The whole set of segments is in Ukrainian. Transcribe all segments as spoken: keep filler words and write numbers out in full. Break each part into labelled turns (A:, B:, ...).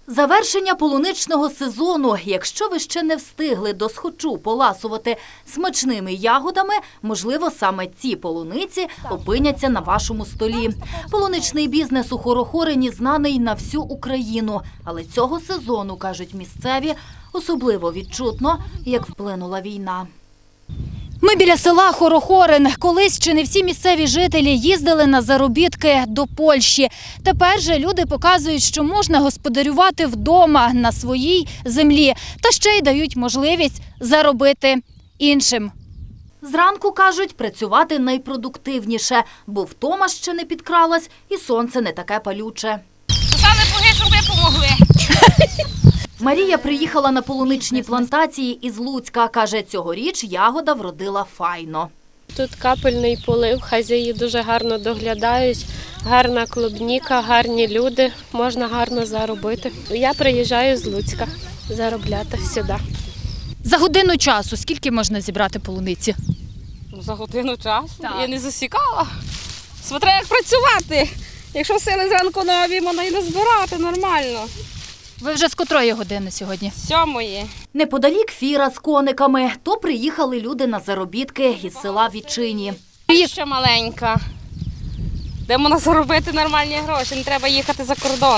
A: Завершення полуничного сезону. Якщо ви ще не встигли досхочу поласувати смачними ягодами, можливо, саме ці полуниці опиняться на вашому столі. Полуничний бізнес у Хорохорині знаний на всю Україну. Але цього сезону, кажуть місцеві, особливо відчутно, як вплинула війна. Ми біля села Хорохорин. Колись чи не всі місцеві жителі їздили на заробітки до Польщі. Тепер же люди показують, що можна господарювати вдома на своїй землі. Та ще й дають можливість заробити іншим. Зранку, кажуть, працювати найпродуктивніше, бо втома ще не підкралась і сонце не таке палюче.
B: Писали боги, щоб ви помогли.
A: Марія приїхала на полуничні плантації із Луцька. Каже, цьогоріч ягода вродила файно.
C: Тут капельний полив, хазяї дуже гарно доглядають, гарна клубніка, гарні люди, можна гарно заробити. Я приїжджаю з Луцька заробляти сюди.
D: За годину часу скільки можна зібрати полуниці?
B: За годину часу?
D: Так.
B: Я не засікала. Смотря як працювати. Якщо сили зранку нові, можна і не збирати нормально.
D: Ви вже з котрої години сьогодні?
B: Сьомої.
A: Неподалік фіра з кониками. То приїхали люди на заробітки із села Вітчині.
B: Ще маленька. Де можна заробити нормальні гроші, не треба їхати за кордон.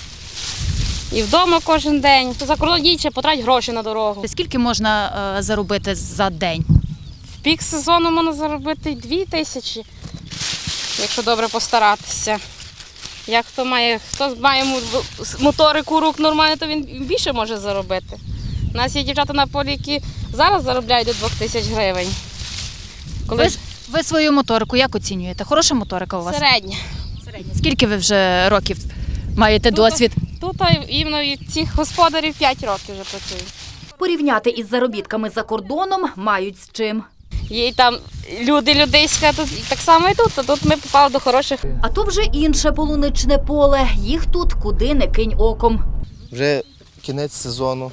B: І вдома кожен день. То за кордон їдь, ще потрать гроші на дорогу.
D: Скільки можна е, заробити за день?
B: В пік сезону можна заробити дві тисячі, якщо добре постаратися. Як хто має, хто має моторику рук нормально, то він більше може заробити. У нас є дівчата на полі, які зараз заробляють до двох тисяч гривень. Коли
D: Ви, ви свою моторику як оцінюєте? Хороша моторика у вас?
B: середня.
D: Середня. Скільки ви вже років маєте
B: Тут-
D: досвід?
B: Тут іменно від цих господарів п'ять років вже працюють.
A: Порівняти із заробітками за кордоном мають з чим.
B: Є і там люди людейська, тут і так само і тут, а тут ми попали до хороших.
A: А то вже інше полуничне поле. Їх тут куди не кинь оком.
E: Вже кінець сезону.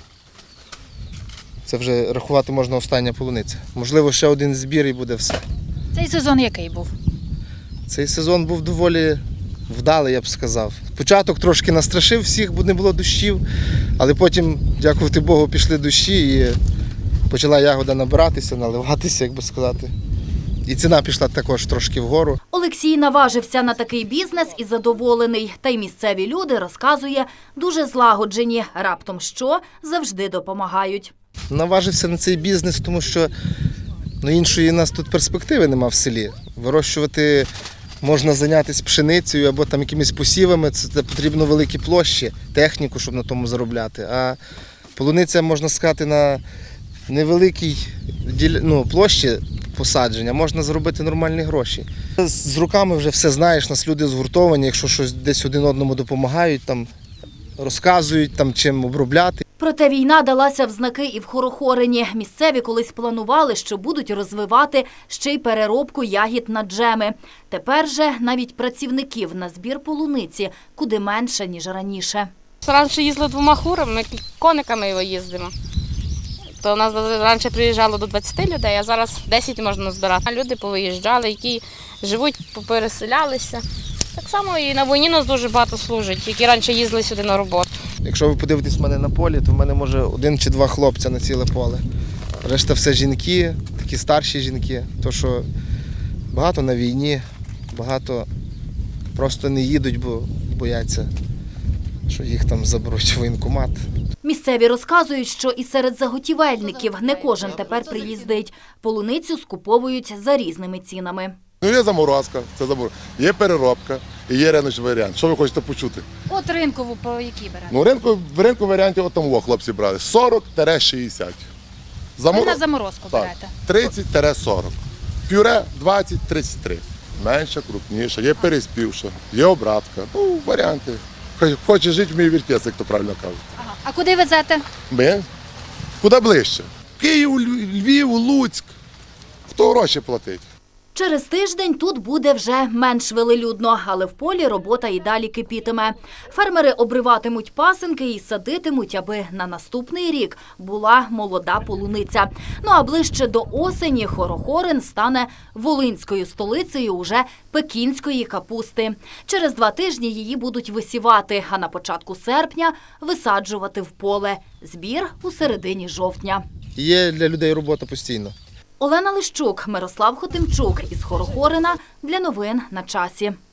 E: Це вже рахувати можна остання полуниця. Можливо, ще один збір і буде все.
D: Цей сезон який був?
E: Цей сезон був доволі вдалий, я б сказав. Початок трошки настрашив всіх, бо не було дощів, але потім, дякувати Богу, пішли дощі і почала ягода набиратися, наливатися, як би сказати. І ціна пішла також трошки вгору.
A: Олексій наважився на такий бізнес і задоволений. Та й місцеві люди, розказує, дуже злагоджені. Раптом що, завжди допомагають.
E: Наважився на цей бізнес, тому що ну, іншої у нас тут перспективи нема в селі. Вирощувати можна зайнятися пшеницею або там якимись посівами, це, це потрібно великі площі, техніку, щоб на тому заробляти. А полуниця, можна сказати, на невеликій ну, площі посадження можна заробити нормальні гроші. З руками вже все знаєш, нас люди згуртовані, якщо щось десь один одному допомагають, там, розказують, там, чим обробляти.
A: Проте війна далася в знаки і в Хорохорині. Місцеві колись планували, що будуть розвивати ще й переробку ягід на джеми. Тепер же навіть працівників на збір полуниці куди менше, ніж раніше.
B: Раніше їздили двома хурами, ми кониками його їздимо. То у нас раніше приїжджало до двадцяти людей, а зараз десять можна збирати. Люди повиїжджали, які живуть, попереселялися. Так само і на війні нас дуже багато служить, які раніше їздили сюди на роботу.
E: Якщо ви подивитесь в мене на полі, то в мене може один чи два хлопця на ціле поле. Решта все жінки, такі старші жінки. То, що багато на війні, багато просто не їдуть, бо бояться, що їх там заберуть в воєнкомат.
A: Місцеві розказують, що і серед заготівельників не кожен тепер приїздить. Полуницю скуповують за різними цінами.
F: Ну, є заморозка, це заморозка, є переробка і є риночний варіант. Що ви хочете почути?
D: От ринкову по якій берете?
F: Ну, ринку, в ринку варіанті от там о, хлопці брали сорок - шістдесят.
D: Ви на заморозку
F: Так,
D: берете?
F: тридцять - сорок. Пюре двадцять - тридцять три. Менша, крупніша, є переспівша, є обратка. Ну, варіанти. Хоче жити, вміє вертеться, як то правильно кажуть.
D: Ага. А куди везете?
F: Ми? Куди ближче? Київ, Львів, Луцьк. Хто гроші платить?
A: Через тиждень тут буде вже менш велелюдно, але в полі робота і далі кипітиме. Фермери обриватимуть пасинки і садитимуть, аби на наступний рік була молода полуниця. Ну а ближче до осені Хорохорин стане волинською столицею уже пекінської капусти. Через два тижні її будуть висівати, а на початку серпня висаджувати в поле. Збір у середині жовтня.
E: Є для людей робота постійно.
A: Олена Лищук, Мирослав Хотимчук із Хорохорина для новин на часі.